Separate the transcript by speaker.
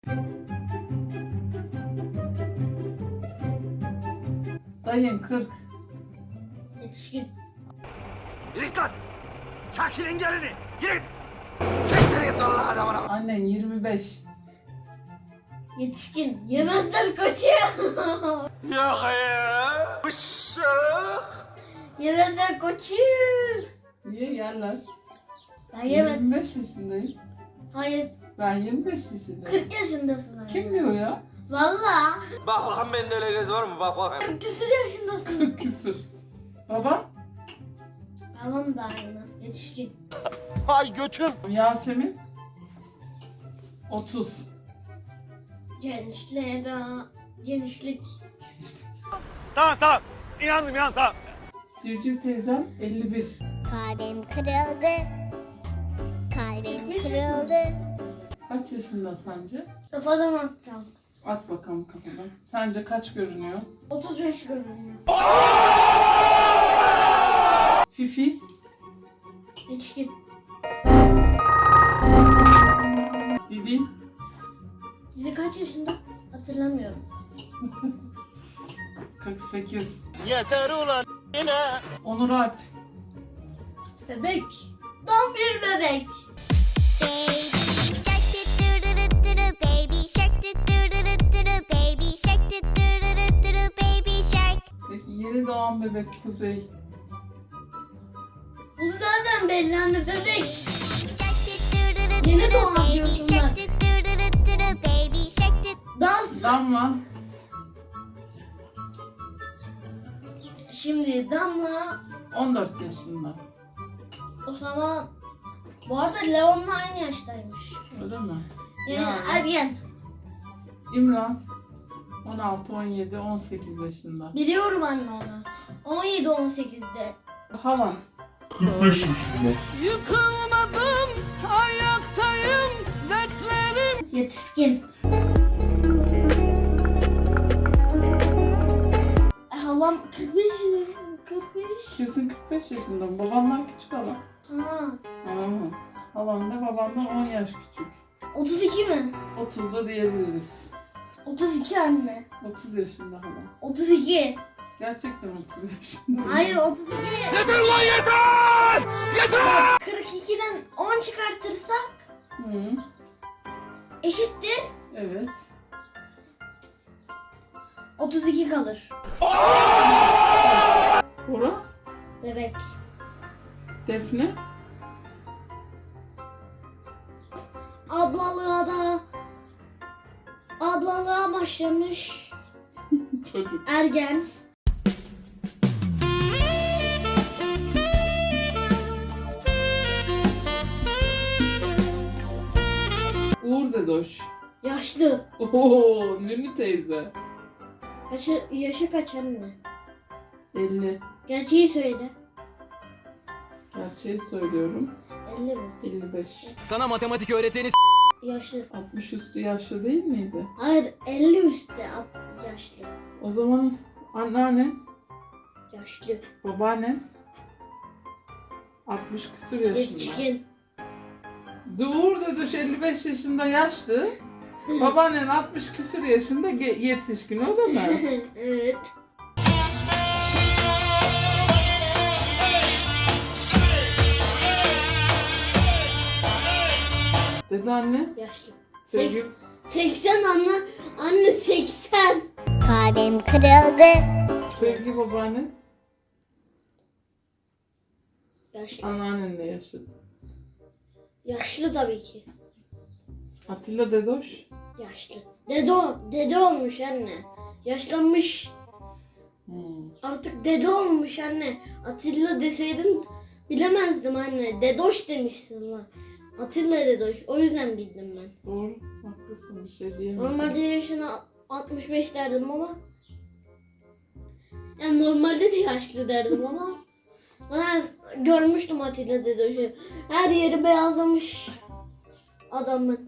Speaker 1: Dayın 40.
Speaker 2: Yetişkin.
Speaker 3: Git lan! Çakilin gelini! Git! Siktir git Allah adamına!
Speaker 1: Annen 25.
Speaker 2: Yetişkin. Yemezler kaçıyor.
Speaker 3: Yok ya! Işık!
Speaker 2: Yemezler kaçıyor.
Speaker 1: Niye yerler?
Speaker 2: Ben yemedim.
Speaker 1: 25 yaşındayım.
Speaker 2: Hayır.
Speaker 1: Ben 25 yaşındayım.
Speaker 2: 40 yaşındasın. Hayır.
Speaker 1: Kim diyor ya?
Speaker 2: Valla.
Speaker 3: Bak bakalım bende öyle göz var mı? Bak bakayım.
Speaker 2: 40 küsur yaşındasın.
Speaker 1: 40 küsur. Baba?
Speaker 2: Babam da aynı. Yetişkin.
Speaker 3: Ay götüm!
Speaker 1: Yasemin? 30.
Speaker 2: Gençlik.
Speaker 3: Tamam. İnandım tamam.
Speaker 1: Civciv teyzem 51.
Speaker 4: Kalbim kırıldı. Kalbim kırıldı.
Speaker 1: Kaç yaşında sence?
Speaker 2: Kafadan atacağım.
Speaker 1: At bakalım kafadan. Sence kaç görünüyor?
Speaker 2: 35 görünüyor.
Speaker 1: Fifi?
Speaker 2: Yetişkin.
Speaker 1: Didi?
Speaker 2: Didi kaç yaşında? Hatırlamıyorum.
Speaker 1: 48.
Speaker 3: Yeter ulan yine!
Speaker 1: Onur Alp?
Speaker 2: Bebek. Tam bir bebek.
Speaker 4: Baby shark do do do do do, baby shark do do do do do, baby shark do do do do do, baby shark.
Speaker 1: Peki yeni doğan bebek Kuzey?
Speaker 2: Bu zaten belli anne bebek.
Speaker 4: Shark do do do do
Speaker 2: Yeni
Speaker 4: do,
Speaker 2: doğan
Speaker 4: baby
Speaker 2: diyorsun
Speaker 4: shark
Speaker 2: bak.
Speaker 4: do do do do do, baby shark do.
Speaker 2: Dans.
Speaker 1: Damla?
Speaker 2: Şimdi Damla
Speaker 1: 14 yaşında.
Speaker 2: o zaman bu arada Leon'la aynı yaştaymış.
Speaker 1: Öyle mi?
Speaker 2: Yani ergen.
Speaker 1: İmran? 16, 17, 18 yaşında.
Speaker 2: Biliyorum anne onu. 17-18'de.
Speaker 1: Halan?
Speaker 5: Yıkılmadım, ayaktayım, dertlerim.
Speaker 2: Yetişkin. Halam 45. 45.
Speaker 1: Kesin 45 yaşında mı? Babandan küçük halan.
Speaker 2: Ha.
Speaker 1: Ha. Halan da babandan 10 yaş küçük.
Speaker 2: 32 mi?
Speaker 1: 30'da diyebiliriz.
Speaker 2: 32 anne.
Speaker 1: 30 yaşında halan.
Speaker 2: 32.
Speaker 1: Gerçekten 30 yaşında.
Speaker 2: Hayır 32.
Speaker 3: Yeter ulan yeter! Yeter!
Speaker 2: 42'den 10 çıkartırsak
Speaker 1: Hı,
Speaker 2: eşittir.
Speaker 1: evet.
Speaker 2: 32 kalır.
Speaker 1: Bora?
Speaker 2: Bebek.
Speaker 1: Defne?
Speaker 2: Ablalığa başlamış.
Speaker 1: Çocuk.
Speaker 2: Ergen.
Speaker 1: Uğur Dedoş.
Speaker 2: Yaşlı.
Speaker 1: Oo, Nünü teyze.
Speaker 2: Yaşı kaç anne?
Speaker 1: 50.
Speaker 2: Gerçeği söyle.
Speaker 1: Gerçeği söylüyorum.
Speaker 2: 50 mi?
Speaker 1: 55.
Speaker 6: Sana matematik öğreteni
Speaker 2: Yaşlı.
Speaker 1: 60 üstü yaşlı değil miydi?
Speaker 2: Hayır 50 üstte yaşlı.
Speaker 1: O zaman anneannen,
Speaker 2: Yaşlı.
Speaker 1: babaannen 60 küsur yaşında.
Speaker 2: Yetişkin.
Speaker 1: Uğur Dedoş 55 yaşında yaşlı. Babaannen 60 küsur yaşında yetişkin, öyle mi?
Speaker 2: Evet.
Speaker 1: Dede anne.
Speaker 2: Yaşlı.
Speaker 1: Sevgi,
Speaker 2: 80 anne. Anne 80.
Speaker 4: Kalbim kırıldı.
Speaker 1: sevgi babaanne.
Speaker 2: Yaşlı.
Speaker 1: Anneannenle yaşadı.
Speaker 2: Yaşlı tabii ki.
Speaker 1: Atilla Dedoş.
Speaker 2: Yaşlı. Dede olmuş anne. Yaşlanmış. Artık dede olmuş anne. Atilla deseydin bilemezdim anne. Dedoş demişsin lan. Atilla Dedoş. O yüzden bildim ben.
Speaker 1: Doğru. Haklısın, bir şey diyemeyeceğim.
Speaker 2: Normalde yaşına 65 derdim ama. Yani normalde de yaşlı derdim ama. Ben görmüştüm Atilla Dedoş'u. Her yeri beyazlamış adamın.